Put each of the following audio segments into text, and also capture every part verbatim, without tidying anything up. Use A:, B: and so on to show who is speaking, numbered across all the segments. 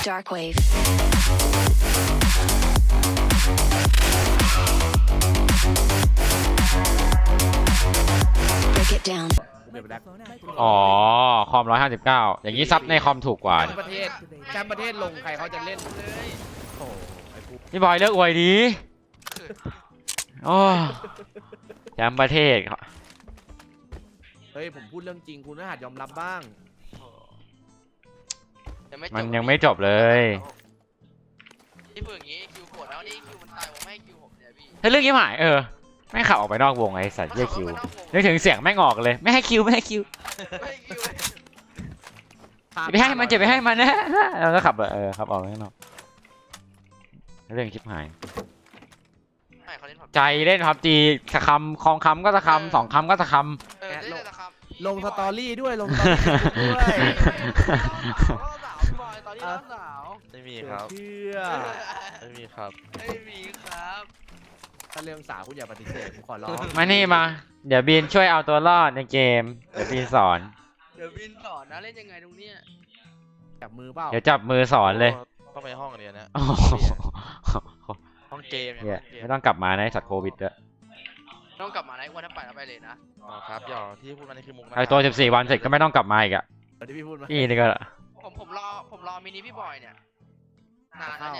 A: Darkwave. Break it down.
B: อ๋อคอมร้อยห้าสิบเก้าอย่างนี้ซับในคอมถูกกว่า
C: แชมป์ประเทศแชมป์ประเทศลงใครเขาจะเล่นเลยโอ้ไอ้กู
B: พี่บอยเลิกอวยดีโอ้แชมป์ประเทศ
C: เฮ้ยผมพูดเรื่องจริงคุณน่าหัดยอมรับบ้าง
B: มันยังไม่จบเลย
D: ที่พูดอย่างงี้คิวโกรธแล้วนี่คิวมันตายผมไม่ให้คิวผมเนี่ยพี่
B: ถ้าเรื่องนี้หมายเออแม่งขับออกไปนอกวงไอ้สัตว์เยี่ยคิวนึกถึงเสียงแม่งออกเลยไม่ให้คิวไม่ให้คิว
D: ไม่ให้คิว
B: ไปให้มันจะไปให้มันนะแล้วก็ขับเออขับออกไปข้างนอกเรื่องชิบหาย
D: ไม่เขาเล่นผับ
B: ใจเล่นพับจีสักคำคองคำก็สักคำสองคำก็สักค
D: เออเล่นแต่ครับ
C: ลงสตอรี่ด้วยลงสตอรี่ด้วย
D: สาวพี่บอยตอนนี้ร้อนสาว
E: ไม่มีครับ
C: เชื่อ
E: ไม่มีครับ
D: ไม่มีครับ
C: ถ้าเรื่องสาวคุณอย่าปฏิเสธผมขอร้อง
B: ำมานี่มาเดี๋ยวบีนช่วยเอาตัวรอดในเกมเดี๋ยวบีนสอน
D: เดี๋ยวบินสอนนะเล่นยังไงตรงเนี้ย
C: จับมือเปล่า
B: เดี๋ยวจับมือสอนเลย
E: ต้องไปห้องเรียนนะ
B: โอ้โห
E: ห้องเกม
B: เหี้ย
E: ห้องเกม
B: ไม่ต้องกลับมาในะไอ้สัตว์โควิดด้วย
D: ต้องกลับมานะวันถ้าไปแล้วไปเลยนะ
E: อ๋อครับหยอกที่พูดมานี่คือมุกนะ
B: ไอ้ตัวสิบสี่วันเสร็จก็ไม่ต้องกลับมาอีกอะ
C: เดี๋ยวที่พี่พูดมา
B: พี่นี่ก็
D: ผมผมรอผมรอมินิพี่บอยเนี่ยนานแล้ว
C: เข้า
D: เนี่ย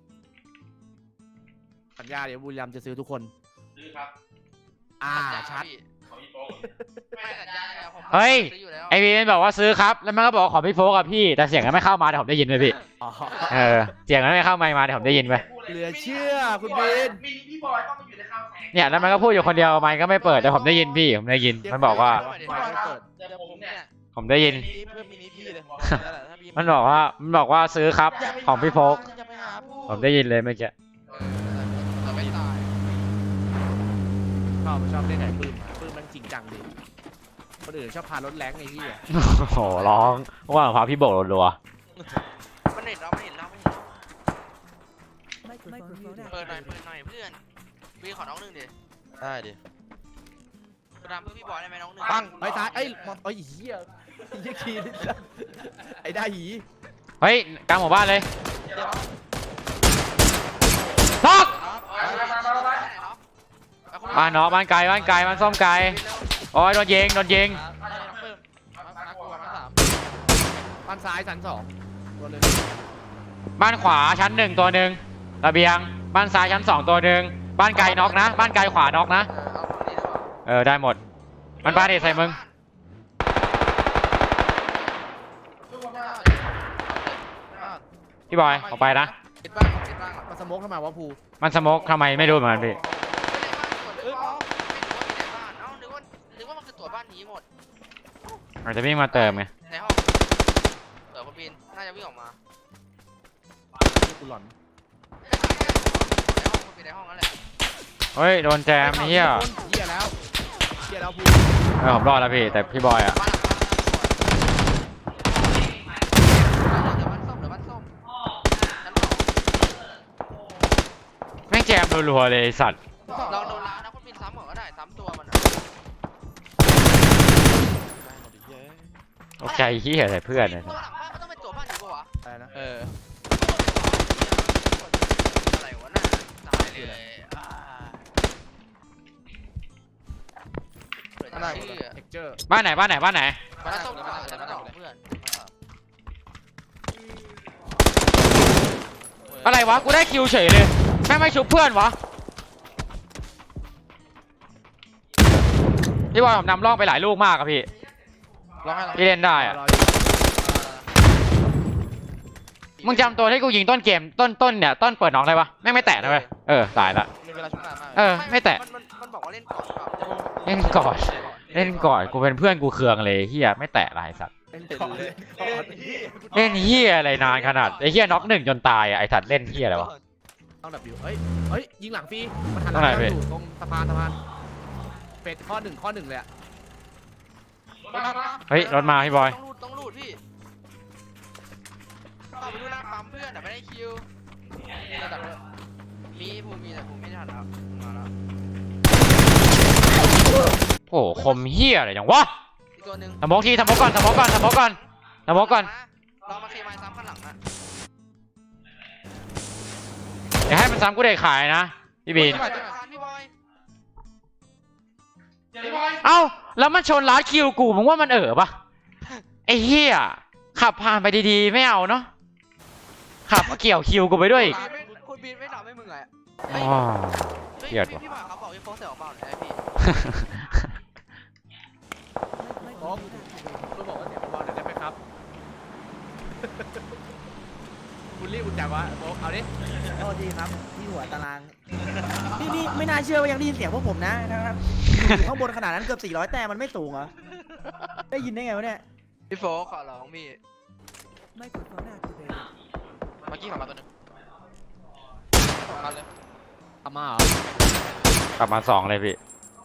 C: สัญญาเดี๋ยวบุรีรัมย์จะซื้อทุกคน
D: ซื้อครับ
C: อ่าชัด
D: ไม่สัญญาเนี่ยผม
B: เฮ้ย
D: ซื้ออยู่แล้ว
B: ไอวีมันบอกว่าซื้อครับแล้วมันก็บอกว่าขอพี่โฟกกับพี่แต่เสียงมันไม่เข้ามาแต่ผมได้ยินไหมพี่
C: อ๋อ
B: เออเสียงมันไม่เข้าไมค์มาแต่ผมได้ยินไหม
C: เหลือเชื่อคุณบิน
D: มินิพี่บอยต้องมาอยู่ในข้าวแสง
B: เนี่ยแล้วมันก็พูดอยู่คนเดียวไมค์ก็ไม่เปิดแต่ผมได้ยินพี่ผมได้ยินมันบอกว่า
C: ไม่ไม่เปิด
D: เดี๋ยวผมเนี่ย
B: ผมได้ยิน
E: มินิเพื่อนมินิพี่เลยนั่นแหละถ้าพี่
B: มันบอกว่ามันบอกว่าซื้อครับของพี่โฟก
E: อย่าไปหาพูด
B: ผมได้ยินเลยเมื่อกี้
D: เราไม่ตาย
C: ชอบชอบเล่นไหนปืนมาปืนมันจริงจังดิคนอื่นชอบพารถแรงไอ้ที่อ่ะ
B: โอ้โหร้องว่าพาพี่โบกรัว
D: มันเห็นเราไม่เห็นเราไม่เห็นเปิดหน่อยเปิดหน่อยเพื่อนพี่ขอน้องหนึ่งดิ
E: ได้ดิ
D: กระดามเพื่อพี่บอยได้ไหมน้องหนึ่ง
C: ปังไอ้ตายไอ้มอนไอ้เหี้ยไอ้เหี้ยคีนไอ้ได้หี
B: ๆเฮ้ยกลางหมู่บ้านเลยน็อกบ้านเนาะบ้านไกลบ้านไกลบ้านส้มไกลโอ้ยโดนยิงโดนยิง
C: บ้านซ้ายชั้นสองตัวเลย
B: บ้านขวาชั้นหนึ่งตัวหนึ่งระเบียงบ้านซ้ายชั้นสองตัวหนึ่งบ้านไกลน็อกนะบ้านไกลขวาน็อกนะเออได้หมดมันบ้านเด็ดใส่มึงพี่บอยออกไปนะ
D: ปิดบ้างปิดบ้าง
C: มาสโมกทำไมวะภู
B: มันสโมกทำไมไม่รู้เหมือนกันพี่
D: เออไม่รู้ว่ามีในบ้านเอ้านึกว่านึกว่ามันคือตัวบ้านนี้หมด
B: อาจจะวิ่งมาเติมไง
D: ในห้องเออคุณบินน่าจะวิ่งออกมา
C: กูหลอน
D: ในห้องคุณบินในห้องนั่นแหละ
B: เฮ้ยโดนแจมไอ้เหี้ย
C: เหี้ยแล้วเหี้ยแล้วภู
B: เออผมรอดแล้วพี่แต่พี่บอยอ่ะ
D: บ้านหลังเดี๋ยวบ้านส้มเดี๋ยวบ้านส้มชั้นสอง
B: แม่งแจมรัวๆเลยไอ้สัตว์
D: ลองโดนล้างนะคุณบินซ้ำเหรอก็ได้ซ้ำตัวมันอะ
B: ตกใจเหี้ยใส่เพื่อนเลย
D: ตัวหลังบ้านมันต้องเป็นตัวบ้านอยู่ปะวะ
C: อะไรนะ
E: เออ
D: อะไรวะน่ะตายเลยอ่าเปิด
C: อะไร
D: ชื่อ
C: เท็กเจอร์
B: บ้านไหนบ้านไหนบ้านไหน
D: บ้านส้มหรือบ้านชั้นสองเพื่อน
B: อะไรวะกูได้คิวเฉยเลยแม่งไม่ชุบเพื่อนวะพี่บอยผมนำร่องไปหลายลูกมากอะพี่
E: ร้องให้
B: พี่เล่นได้อะ
C: รออยู่
B: มึงจำตัวที่กูยิงต้นเกมต้นต้นเนี่ยต้นเปิดน้องได้ปะแม่งไม่แตะนะเว้ยเออตายละ
E: มีเวลาชุบนานมาก
B: เออไม่แตะ
D: มันมันมันบอกว่าเล่นก่อนเปล่า
B: เล่นก่อนเล่นก่อนกูเป็นเพื่อนกูเคืองเลยเฮียไม่แตะอะไรสัตว์
C: เล่นก่อนเลยก่อน
B: เล่นเฮียอะไรนานขนาดไอ้เฮียน็อกหนึ่งจนตายอะไอ้สัตว์เล่นเฮียอะไรวะ
C: ต้องดับอยู่เฮ้ยเฮ้ยยิงหลังฟรีมันหันห
B: ตร
C: ลั
B: งไหน
C: ง
B: พี่
C: อยู่ตรงสะพานสะพานเฟสข้อหนึ่งข้อหนึ่งเลยอะ
B: เฮ้ยรถมาพี่บอย
D: ต้องรูดต้องรูดพี่ต่อไปดูหน้าปั๊มเพื่อนแต่ไม่ได้คิวระดับเลยมีภูมิแต่ภูมิไม่ทันแล้วมาแล้ว
B: โอ้โหคมเฮียอะไรอย่างวะ
D: อีกตัวหนึ่ง
B: สมองทีสมองก่อนสมองก่อนสมองก่อนสมองก่อน
D: เรามาเคมายซ้ำข้างหลังอะ
B: อย่าให้มันซ้ำกูเด็กขายนะพี่บีน
D: พี่บอยพี่บอยพี่บอย
B: เอ้าแล้วมันชนลัดคิวกูมึงว่ามันเอ๋อปะไอ้เหี้ยขับผ่านไปดีๆไม่เอาเนาะขับมาเกี่ยวคิวกูไปด้วยอีก
D: ไม่คุณบีนไม่ดับให้มึงไง
B: อ๋อ
D: เฮ้ย
B: เกลียดว่ะ
D: พี่บอยเขาบอกพี่โฟกเสียออกเปล่าเนี่ยพี่
C: โอ้คุณบอกว่าเสียงเบาๆหน่อยได้ไหมครับ คุณรีบอุ่นจังวะโอ้เอาดิ
A: โทษทีครับที่หัวตาราง นี่นี่ไม่น่าเชื่อว่ายังได้ยินเสียงพวกผมนะนะครับอยู่ข้างบนขนาดนั้นเกือบสี่ร้อยแต้มมันไม่สูงเหรอ ได้ยินได้ไงวะเนี่ย
D: พี่โฟกขอร้องพี่
E: เมื่อกี้ขับมาตัวหนึงสองคันเลย
C: ทำมาเหรอ
B: กลับมาสองเลยพี่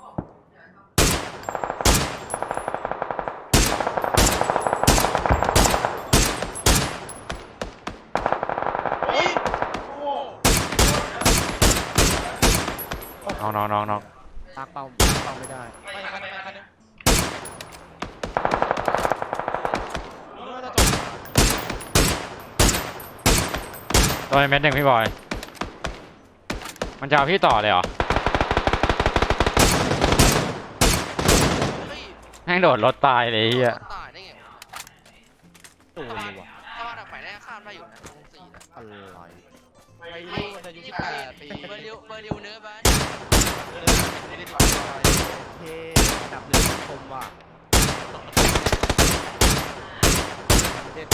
B: น้องน้องน้องน้อง
C: ตากเป่าเป่าไม่ได้
E: ไม่คันหนึงคันหนึงรู้ว่าจะจบ
B: ตัวในเม็ดหนึ่งพี่บอย มันจะเอาพี่ต่อเลยเหรอ
D: เฮ้ย
B: แม่งโดดรถตายเลยไอ้เฮีย
D: ตายได้ไง
C: ตัวเลยว่ะ
D: ถ้าว่าทางไหนได้ข้ามได้อยู่นะวงสี่นะ
C: อะไร
E: ไปรู้ว่าจะอายุสิบแปดปี
D: เบอร์ริวเบอร์ริวเนื้อบ้าน
E: ไม่ได้ดี
C: เท่ดับหนึ่งคมว่ะเด็ด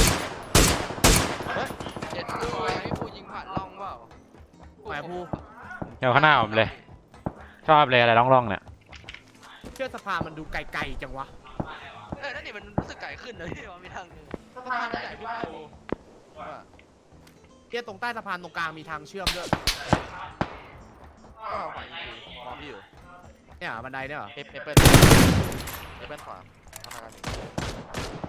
D: เจ็ดด้วยพี่ปูยิงผ่านล่องเปล่า
C: แหมผู้
B: เดี๋ยวข้างหน้าผมเลย ชอบเลยอะไรร่องๆเนี่ย
C: เชื่อสะพานมันดูไกลๆจังวะ
D: เออนั่นนี่มันรู้สึกไกลขึ้นเลยพี่ว่ามีทางหนึงสะพานใหญ่พี่ปูว่า
C: เที่ยตรงใต้สะพานตรงกลางมีทางเชื่อมด้วย
E: ก็เอาขวายิงกูมองพี่อยู่
C: เนี่ยบันไดเนี่ยเหรอ
E: เอฟเอฟเปิลเอฟเปิลขวาทำงานอยู่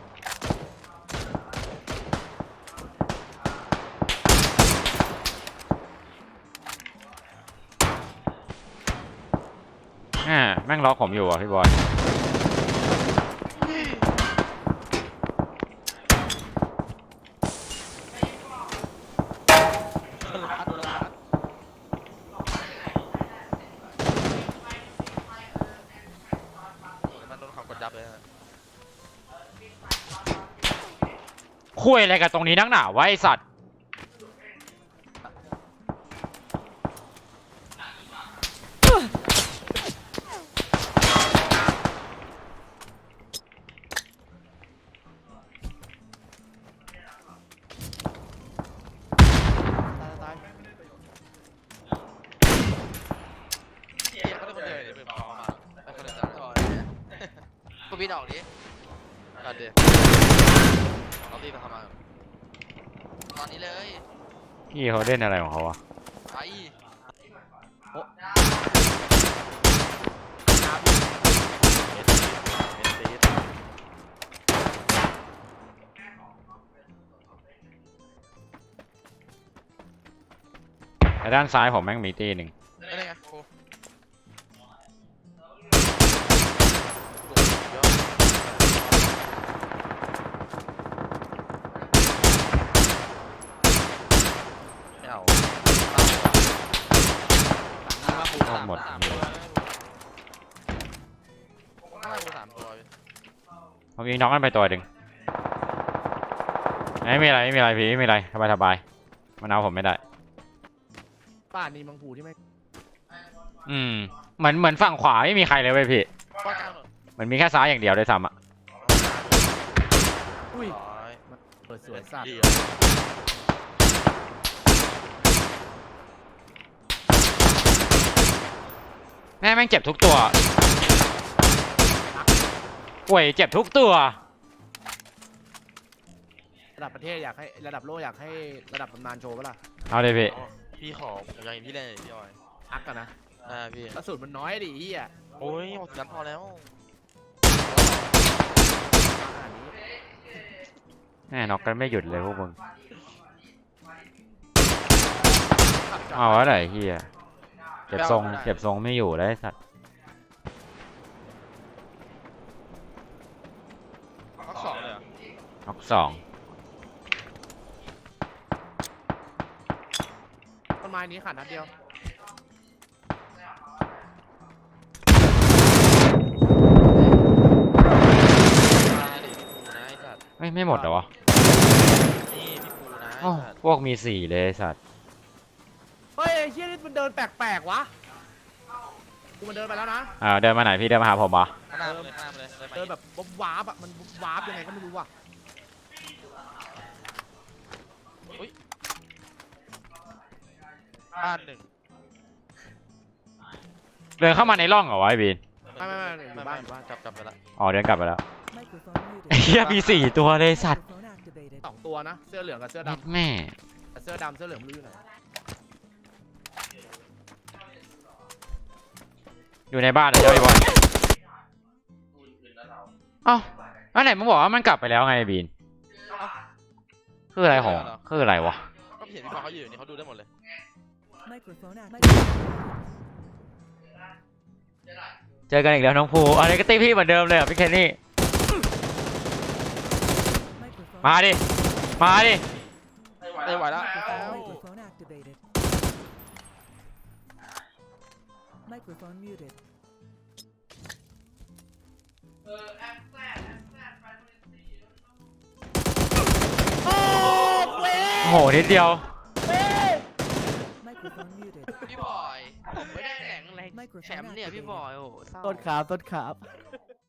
B: แม่แม่งล็อกผมอยู่อ่ะพี่บอย
E: มันโดนเขากดยับเลยนะ
B: คุยอะไรกับตรงนี้นักหนาวะไอสัตว์
C: ตายตาย
E: เฮียเขาเป็นคนเดียวเลยเป็นเขามาไอ้คนเดียว
D: ต่อเนี่ยปูบีนออกดิ
E: กันเดียวเราตีมาทำมา
D: ตอนนี้เลย
B: พี่เขาเล่นอะไรของเขาวะ
D: ไอ้
C: น้ำ
E: เอ็นตีเอ็นตี
B: แต่ด้านซ้ายผมแม่งมีตีหนึ่ง
E: ไม่ได้ไงกูไม่เอา
B: ก็หมด
E: สามตัวข้างล่างกูสามตัว
B: ผมยิงน้องกันไปตัวหนึ่งไม่มีอะไรไม่มีอะไรพี่ไม่มีอะไรสบายสบายมันเอาผมไม่ได้
C: ป่านนี้มังผูที่ไม่
B: อืมเหมือนเหมือนฝั่งขวาไม่มีใครเลยเว้ยพี่
E: ป้อนกลางหน่อย
B: เหมือนมีแค่ซ้ายอย่างเดียวด้วยซ้ำอ่ะ
C: อุ้ย
E: ร้อย
C: เปิดสวยสัตว์
E: เดียว
B: แม่แม่งเจ็บทุกตัวป่วยเจ็บทุกตัว
C: ระดับประเทศอยากให้ระดับโลกอยากให้ระดับตำนานโชว์ปะล่ะ
B: เอาเลยพี่
E: พี่ขอผมอยากเห็นพี่เล่นหน่อยพี่ออย
C: อักกันนะ
E: อ่าพี่
C: กระสุนมันน้อยดิเฮีย
E: โอ้ยหมดกันพอแล้ว
C: ขนาดนี้
B: แม่น็อกกันไม่หยุดเลยพวกมึงเอาอะไรเฮียเก็บทรงเก็บทรงไม่อยู่แล้วไอ้สัตว์
E: พักสองเลยเหรอ
B: น็อกสอง
E: มัน
C: ม้นี้ขาดนัดเดียว
D: มาดิพี่ปูนะไอ้สัตว์
B: ไม่ไม่หมดเหรอวะ
D: นี่พี่ปูนะ
B: โอ้
D: ไอ้สัตว์
B: พวกมีสี่เลยไอ้สัตว์
C: เฮ้ยไอ้เชี่ยนี่มันเดินแปลกๆวะกูมันเดินไปแล้วนะ
B: อ่าเดินมาไหนพี่เดินมาหาผมเหรอ
D: ข้างหน้ามาเลยข้างหน้ามาเลยเลยมา
C: เดินแบบววาบๆอ่ะมันวาบยังไงก็ไม่รู้ว่ะ
D: บ้านหนึ่ง
B: เดินเข้ามาในร่องเหรอวะไอ้บีน
C: ไม่ไม่ไม่อยู่
D: ไม่
C: บ้า
D: ไม่
C: นอยู่บ้าน
D: กลับกลับไปละ
B: อ๋อเดินกลับไปแล้ว
E: Microphone
B: ไอ้
E: muted.
B: เหี้ยมีสี่ตัวเลยสัตว์
E: Microphone activated.
C: สองตัวนะเสื้อเหลืองกับเสื้อ
B: เม็ด
C: ดำ
B: แม่
C: แต่เสื้อดำเสื้อเหลืองไม่รู้อยู่ไหน
B: อยู่ในบ้านเดี๋ยวไอ้บอลเอ้าอันไหนมึงบอกว่ามันกลับไปแล้วไงไอ้บีนคืออะไรของคืออะไรวะ
D: ก็เห็นพี่ฟ้าเขาอยู่นี่เขาดูได้หมดเลย
E: Microphone activated.
B: เจอกันอีกแล้วน้องภูอะไรก็ตีพี่เหมือนเดิมเลยอ่ะพี่เคนนี่
E: Microphone.
B: มาดิ มาดิ
D: ได้ไหวแล้ว
E: Microphone activated. Microphone muted.
B: โอ้โหนิดเดียว
E: Microphone muted.
D: พี่บอยผมไม่ได้แข่งอะไรแชมป์เนี่ยพี่บอยโอ้โหเศร้า
A: ต้นขาต้นขา